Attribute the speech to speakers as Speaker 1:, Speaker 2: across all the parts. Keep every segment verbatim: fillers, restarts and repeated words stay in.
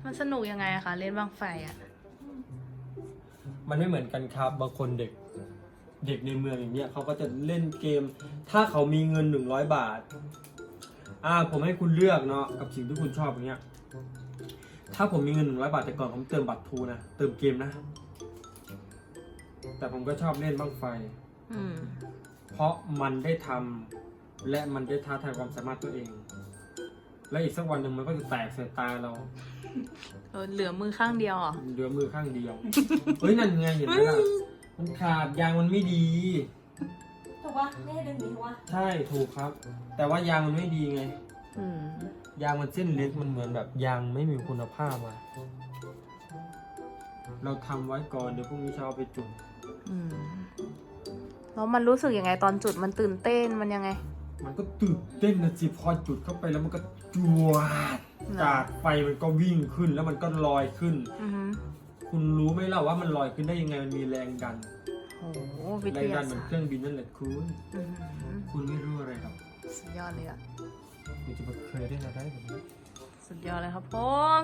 Speaker 1: มันสนุกยังไงอะคะเล่นบั้งไฟอะ
Speaker 2: มันไม่เหมือนกันครับบางคนเด็กเด็กในเมืองอย่างเงี้ยเขาก็จะเล่นเกม ถ้าเขามีเงินหนึ่งร้อยบาทอ่าผมให้คุณเลือกเนาะกับสิ่งที่คุณชอบอย่างเงี้ยถ้าผมมีเงินหนึ่งร้อยบาทแต่ก่อนผมเติมบัตรทูนะเติมเกมนะแต่ผมก็ชอบเล่นบั้งไฟ
Speaker 1: อืม
Speaker 2: เพราะมันได้ทำและมันได้ท้าทายความสามารถตัวเอง และอีกสักวันหนึ่งมันก็จะแตกใส่ตาเรา
Speaker 1: เออเหลือมือข้างเดียวเหรอ
Speaker 2: เหลือมือข้างเดียว เฮ้ยนั่นไงเห็นไหมล่ะมันขาดยางมันไม่ดี
Speaker 3: ถูกปะไม่ให้ดึงหนีถูกปะ
Speaker 2: ใช่ถูกครับ แต่ว่ายางมันไม่ดีไง
Speaker 1: อืม
Speaker 2: ยางมันเส้นเล็กมันเหมือนแบบยางไม่มีคุณภาพอะเราทำไว้ก่อนเดี๋ยวพรุ่งนี้เช้าไปจุด
Speaker 1: อืมแล้วมันรู้สึกยังไงตอนจุดมันตื่นเต้นมันยังไง
Speaker 2: มันก็ตื่นเต้นนะสิพอจุดเข้าไปแล้วมันก็จวด
Speaker 1: เหรอ
Speaker 2: จากไฟมันก็วิ่งขึ้นแล้วมันก็ลอยขึ้น
Speaker 1: อือหือ
Speaker 2: คุณรู้ไหมล่ะว่ามันลอยขึ้นได้ยังไงมันมีแรงดัน
Speaker 1: โอ้โหวิ
Speaker 2: แร
Speaker 1: ท
Speaker 2: งดั
Speaker 1: ยาน
Speaker 2: เหมือน
Speaker 1: ศาสต
Speaker 2: เค
Speaker 1: ร์
Speaker 2: รื่องบินนั่นแหละคุณ
Speaker 1: อือหือ
Speaker 2: คุณไม่รู้อะไรหรอก
Speaker 1: สุดยอดเลยอะ
Speaker 2: คุณจะมาเคยได้อะไรแบบนี้
Speaker 1: สุดยอดเลยครับผม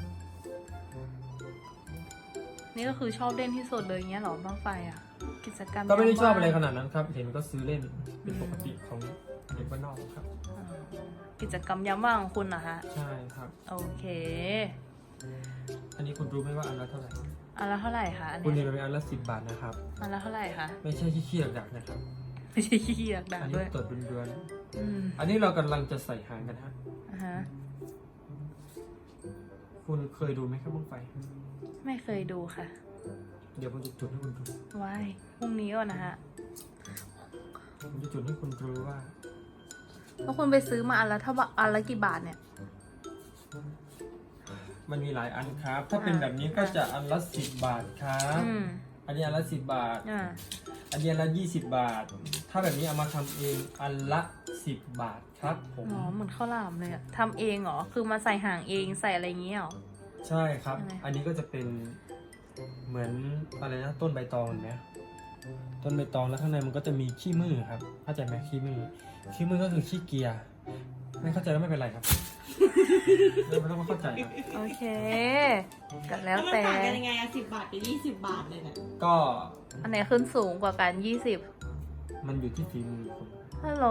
Speaker 1: นี่ก็คือชอบเล่นที่สุดเลยอย่างเงี้ยเหรอบ้างไฟอะกิจกรรม
Speaker 2: ก็ไม่ได้ชอบอะไร
Speaker 1: ยาม
Speaker 2: ข
Speaker 1: ว่าง
Speaker 2: นาดนั้นครับ เห็นก็ซื้อเล่นเป็นปกติของเด็กบ้านนอกครับ
Speaker 1: อ่ากิจกรรมยามว่างของคุณเหรอฮะ
Speaker 2: ใช่ครับ
Speaker 1: โอเค
Speaker 2: อันนี้คุณรู้ไหมว่าอันละเท่าไหร่
Speaker 1: อันละเท่าไหร่คะอัน
Speaker 2: คุณ
Speaker 1: เนี้
Speaker 2: เห็น
Speaker 1: ย
Speaker 2: มันเป็นอันละสิบบาทนะครับ
Speaker 1: อันละเท่าไหร่คะ
Speaker 2: ไม่ใช่ที่เคี่ยวดักนะครับ
Speaker 1: ไม่ใช่ขี้เกียจด่า
Speaker 2: อัน
Speaker 1: ด้
Speaker 2: นี้
Speaker 1: วย
Speaker 2: ตรวจเดือน
Speaker 1: อืม
Speaker 2: ๆอันนี้เรากำลังจะใส่หางกันฮะ
Speaker 1: อ่าฮะ
Speaker 2: คุณเคยดูไหมครับบ้างไฟ
Speaker 1: ไม่เคยดูค่ะ
Speaker 2: เดี๋ยวผมจะจุดให้คุณดู
Speaker 1: ว้ายพรุ่งนี้ก่อนนะฮะ
Speaker 2: ผมจะจุดให้คุณรู้ว่า
Speaker 1: แล้วคุณไปซื้อมาอันละเท่าบะอันละกี่บาทเนี่ย
Speaker 2: มันมีหลายอันครับ ถ้าเป็นแบบนี้ก็จะอันละสิบบาทครับ
Speaker 1: อืม
Speaker 2: อันนี้อันละสิบบาท
Speaker 1: อ่า
Speaker 2: อันนี้อันละยี่สิบบาท ถ้าแบบนี้เอามาทำเองอันละสิบบาทครับผม
Speaker 1: อ๋อเหมือนข้าวหลามเลยอะทำเองเหรอ คือมาใส่ห่างเองใส่อะไรอย่างเงี้ยเหรอ
Speaker 2: ใช่ครับ
Speaker 1: ยังไง
Speaker 2: อันนี้ก็จะเป็นเหมือนอะไรนะต้นใบตองเห็นไหมต้นใบตองแล้วข้างในมันก็จะมีขี้มือครับเข้าใจไหมขี้มือขี้มือก็คือขี้เกียร์ไม่เข้าใจก็ไม่เป็นไรครับ ไม่ต้องเข้าใจครับ
Speaker 1: โอเคก็แล้ว
Speaker 3: มัน
Speaker 1: แต่
Speaker 3: ต่างกันยังไงอะสิบบาทกับยี่สิบบาทเลยเนี่ย
Speaker 2: ก็
Speaker 1: อันไหนขึ้นสูงกว่ากันยี่สิบ
Speaker 2: มันอยู่ที่ฝีมือคุณ
Speaker 1: ฮัลโหล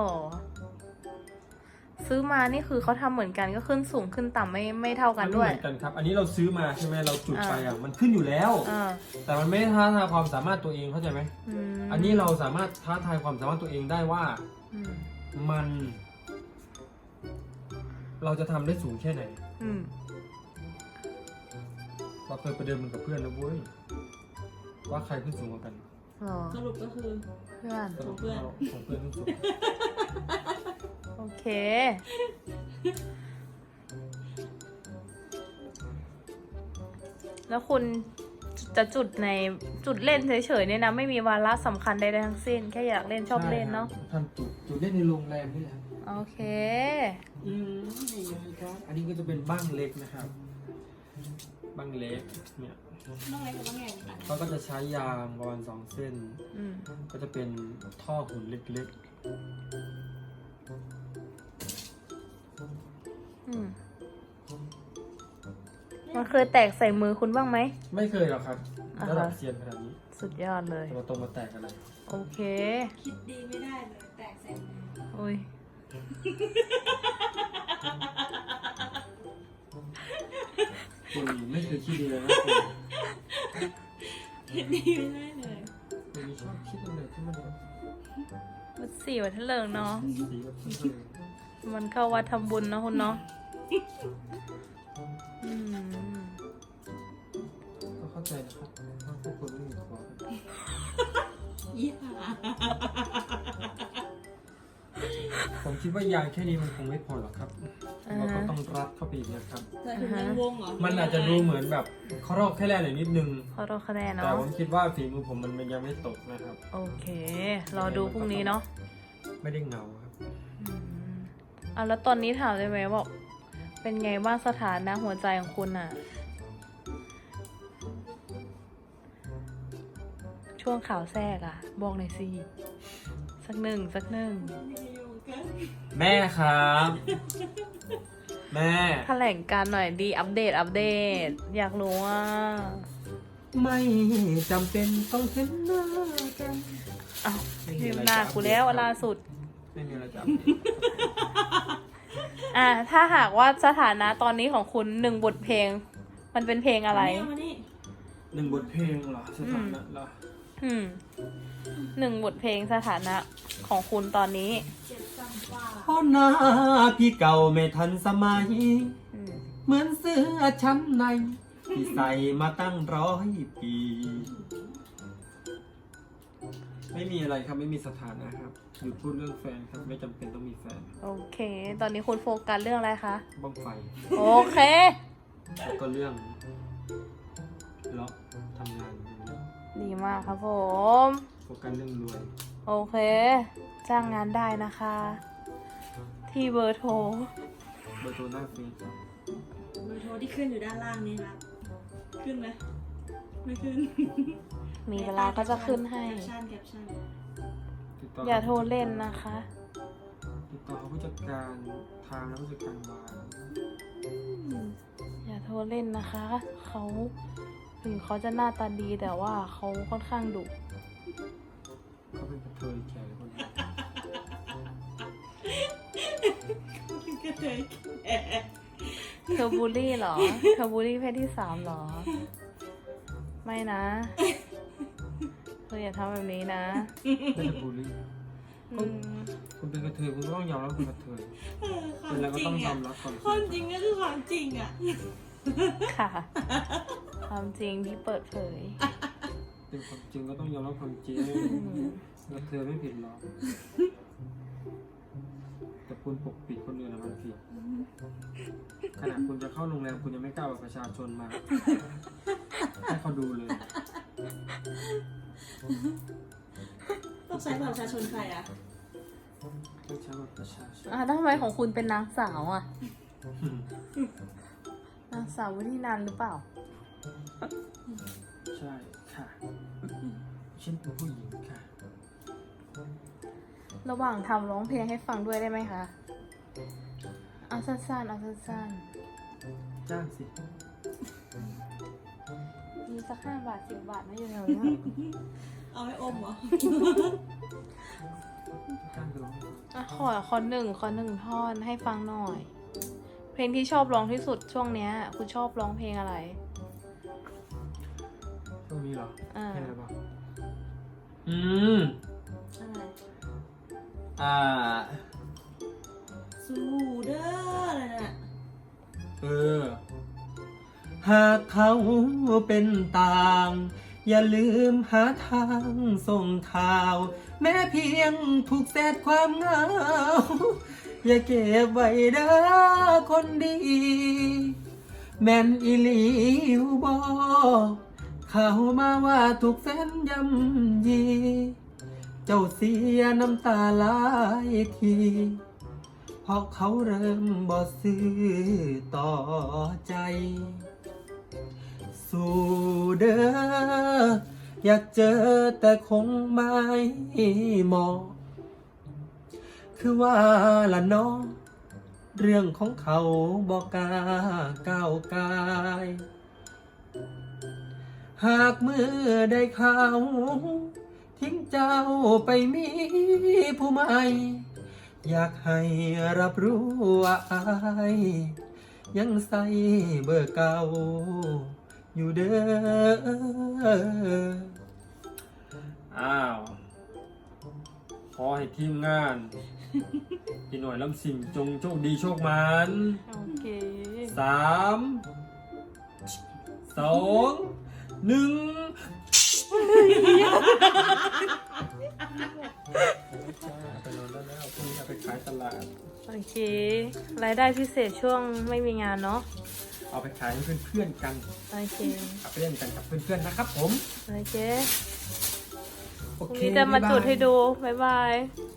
Speaker 1: ซื้อมานี่คือเขาทำเหมือนกันก็ขึ้นสูงขึ้นต่ำไม่ไม่เท่ากัน
Speaker 2: มัไม่
Speaker 1: ด้วย
Speaker 2: เหมือนกันครับ อันนี้เราซื้อมาใช่ไหมเราจุดไปอ่ะมันขึ้นอยู่แล้ว
Speaker 1: อ่า
Speaker 2: แต่มันไม่ได้ท้าทายความสามารถตัวเองเข้าใจไหม
Speaker 1: อืม
Speaker 2: อันนี้เราสามารถท้าทายความสามารถตัวเองได้ว่า
Speaker 1: อืม
Speaker 2: มัน เราจะทำได้สูงแค่ไหน
Speaker 1: อืม
Speaker 2: เราเคยไปเดินมันกับเพื่อนแล้วเว้ยว่าใครขึ้นสูงกว่ากัน
Speaker 1: หรอ
Speaker 3: สรุปก็คือ
Speaker 1: เพื่อน
Speaker 2: สรุป
Speaker 3: ของเพื่อน
Speaker 2: เราของเพื่อนขึ้นสูง
Speaker 1: โอเค แล้วคุณจะจุดในจุดเล่นเฉยๆเนี่ยนะ ไม่มีวาระสำคัญใดๆทั้งสิ้น แค่อยากเล่นชอบเล่นเนาะ
Speaker 2: ใช่ครับทำจุดจุดเล่นในโรงแรมนี่แหละ
Speaker 1: โอเค
Speaker 2: อืมนี่ไงครับ อันนี้ก็จะเป็นบ้างเล็กนะครับบ้างเล็กเนี่ย
Speaker 3: น้องเล็กกับน้องใหญ่กัน
Speaker 2: เขาก็จะใช้ยางประมาณสองเส้น
Speaker 1: อืม
Speaker 2: ก็จะเป็นท่อหุ่นเล็ก
Speaker 1: อืมมันเคยแตกใส่มือคุณบ้างไหม
Speaker 2: ๆ ไม่เคยหรอกครับ
Speaker 1: อ่าฮะ
Speaker 2: ระดับเซียนขนาดนี้
Speaker 1: สุดยอดเลย
Speaker 2: จะมาตรงมาแตกอะไร
Speaker 1: โอเค
Speaker 3: คิดดีไม่ได้เลยแตกเสร็จ
Speaker 1: โอ้ย
Speaker 2: คุณไม่เคยคิดดีเลยนะคุณ
Speaker 3: คิดดีไม่ได้เลย
Speaker 2: คุณชอบคิดอะไรที่มันแบบ
Speaker 1: วัดสี่วัดทะเลิงเนาะ
Speaker 2: สีแบบเออ
Speaker 1: มันเข้าวัดทำบุญเนาะคุณเนาะอืม
Speaker 2: ก็เข้าใจนะครับว่าพวกคุณไม่มีคอ
Speaker 3: ยี่ห้า
Speaker 2: ผมคิดว่ายางแค่นี้มันคงไม่พอหรอกครับ
Speaker 1: อ่า
Speaker 2: เราก็
Speaker 1: ฮะ
Speaker 2: ต้องรัดเข้าไปอีกนะครับ
Speaker 3: แต่ถึงมันวงเหรอ
Speaker 2: มันอาจจะดูเหมือนแบบเขารอกแค่แรกหน่อยนิดนึง
Speaker 1: ขอโทษคะแนน
Speaker 2: แต่
Speaker 1: เนาะ
Speaker 2: ผมคิดว่าฝีมือผมมันยังไม่ตกนะครับ
Speaker 1: โอเค รอดูพรุ่งนี้เนาะ
Speaker 2: ไม่ได้เหงาครับ
Speaker 1: อืมอ่ะแล้วตอนนี้ถามได้ไหมว่าเป็นไงบ้างสถานะหัวใจของคุณอะช่วงข่าวแทรกอะบอกหน่อยสิ สักหนึ่งสักหนึ่ง
Speaker 3: อยู่กัน
Speaker 2: แม่ครับแม่
Speaker 1: แถลงการหน่อยดีอัปเดตอัปเดต อยากรู้ว่า
Speaker 2: ไม่จำเป็นต้องเห็นหน้ากัน
Speaker 1: อ้าวลืมหน้ากูแล้วล่าสุด
Speaker 2: ไม่มีอะไรจะ
Speaker 1: อ่ะถ้าหากว่าสถานะตอนนี้ของคุณหนึ่งบทเพลง มันเป็นเพลงอะไร
Speaker 3: มานี่
Speaker 2: หนึ่งบทเพลงเหรอสถานะเหรอ
Speaker 1: อืมหนึ่งบทเพลงสถานะของคุณตอนนี้
Speaker 3: เจ็บซ้ำว่า
Speaker 2: เพราะหน้าพี่เก่าไม่ทันสมัย
Speaker 1: อืม
Speaker 2: เหมือนเสื้อชั้นในที่ใส่มาตั้งร้อยปี ไม่มีอะไรครับไม่มีสถานะครับหยุดพูดเรื่องแฟนครับไม่จำเป็นต้องมีแฟน
Speaker 1: โอเค ตอนนี้คุณโฟกัสเรื่องอะไรคะ
Speaker 2: บ้างไฟ
Speaker 1: โอเค
Speaker 2: แล้วก็เรื่องเลาะทำงานอย่างเงี้ย
Speaker 1: ดีมากครับผม
Speaker 2: โฟกัสเรื่องรวย
Speaker 1: โอเค จ้างงานได้นะคะ ที่เบอร์โทร
Speaker 2: เบอร์โทรหน้าเฟซครับ
Speaker 3: เบอร์โทรที่ขึ้นอยู่ด้านล่างนี่ครับ ขึ้นไหมไม่ขึ้น
Speaker 1: มีเวลาก็จะขึ้นให้
Speaker 3: แคปชั่นแคปชั่น
Speaker 2: ติดต่อ
Speaker 1: อย่าโทรเล่นนะคะ
Speaker 2: ติดต่อผู้จัดการทางและผู้จัดการวาง
Speaker 1: อย่าโทรเล่นนะคะ เขาถึงเขาจะหน้าตาดีแต่ว่าเขาค่อนข้างดุ
Speaker 2: เขาเป็นกระเทยแขกคนนี้
Speaker 3: ก็เคยแก่
Speaker 1: เธอบูลลี่เหรอ เธอบูลลี่เพศที่สามเหรอ ไม่นะ เธออย่าทำแบบนี้นะ
Speaker 2: ไม่ได้บูลลี่
Speaker 1: อืม
Speaker 2: คุณเป็นกระเทยคุณก็ต้องยอมรับคุณกระเทย
Speaker 3: เออควา
Speaker 2: เป็น
Speaker 3: ม
Speaker 2: แล้วก็
Speaker 3: จริ
Speaker 2: ต้อง งยอ
Speaker 3: อ่ะ
Speaker 2: มรับความจ
Speaker 3: ควา
Speaker 2: ริ
Speaker 3: ม
Speaker 2: ง
Speaker 3: จริงก็คือความจริงอ่ะ
Speaker 1: ค่ะ ความจริงที่เปิดเผย
Speaker 2: เป็นความจริงก็ต้องยอมรับความจริง
Speaker 1: อืม
Speaker 2: กระเทยไม่ผิดหรอกแต่คุณปกปิดคนอื่นนะมันผิดขณะคุณจะเข้าโรงแรมคุณยังไม่กล้าเอาประชาชนมาให้เขาดูเลย
Speaker 3: ต้องใช้บัตรประชาชนใครอ่ะ
Speaker 2: ต้องใช้บัตรประชาชน
Speaker 1: อ่ะทำไมของคุณเป็นนางสาวอ่ะ นางสาววุฒินันท์หรือเปล่า
Speaker 2: ใช่ค่ะฉันเป็นผู้หญิงค่ะ
Speaker 1: ระหว่างทำร้องเพลงให้ฟังด้วยได้ไหมคะ เอาสั้นๆ เอาสั้น
Speaker 2: จ้างสิ
Speaker 1: ๆ มีสักห้าบาทสิบบาทไหมอยู่แถวนี้
Speaker 3: เอาไว้อมเหรอ
Speaker 2: จ้างไปร้องให้ฟัง
Speaker 1: อ่ะขอขอหนึ่งขอหนึ่งท่อนให้ฟังหน่อย เพลงที่ชอบร้องที่สุดช่วงเนี้ย คุณชอบร้องเพลงอะไร
Speaker 2: ช่วงนี้เหรอ
Speaker 1: อ่า
Speaker 2: เพลงอะไรบ้างอืม
Speaker 3: อะไร
Speaker 2: อ่า
Speaker 3: สู้เด้ออะไรน่ะ
Speaker 2: เออ หากเขาเป็นต่าง อย่าลืมหาทางส่งข่าว แม้เพียงถูกแสดความเหงา อย่าเก็บไว้เด้อคนดี แม่นอีหลีวบอเขามาว่าถูกแฟนยำยี เจ้าเสียน้ำตาหลายที เพราะเขาเริ่มบ่ซื้อต่อใจ สู่เด้ออยากเจอแต่คงไม่เหมาะคือว่าละเนาะเรื่องของเขาบอกกล้าก้าวกาย หากเมื่อได้ข่าวทิ้งเจ้าไปมีผู้ใหม่ อยากให้รับรู้ว่าอายยังใส่เบอร์เก่าอยู่เด้อ อ้าว ขอให้ทีมงานพี่หน่อยลำสิ่งจงโชคดีโชคมัน
Speaker 1: โอเค
Speaker 2: สามสองหนึ่งไปนอนได้แล้วพรุ่งนี้เอาไปขายตลาด
Speaker 1: โอเค รายได้พิเศษช่วงไม่มีงานเนาะ
Speaker 2: เอาไปขายให้เพื่อนๆกัน
Speaker 1: โอเค
Speaker 2: เอาไปเล่นกันกับเพื่อนๆนะครับผม
Speaker 1: โอเค
Speaker 2: โอ
Speaker 1: พรุ่ง
Speaker 2: เค
Speaker 1: นี้จะมา
Speaker 2: บ๊ยบย
Speaker 1: จุดให้ดู บ๊ายบาย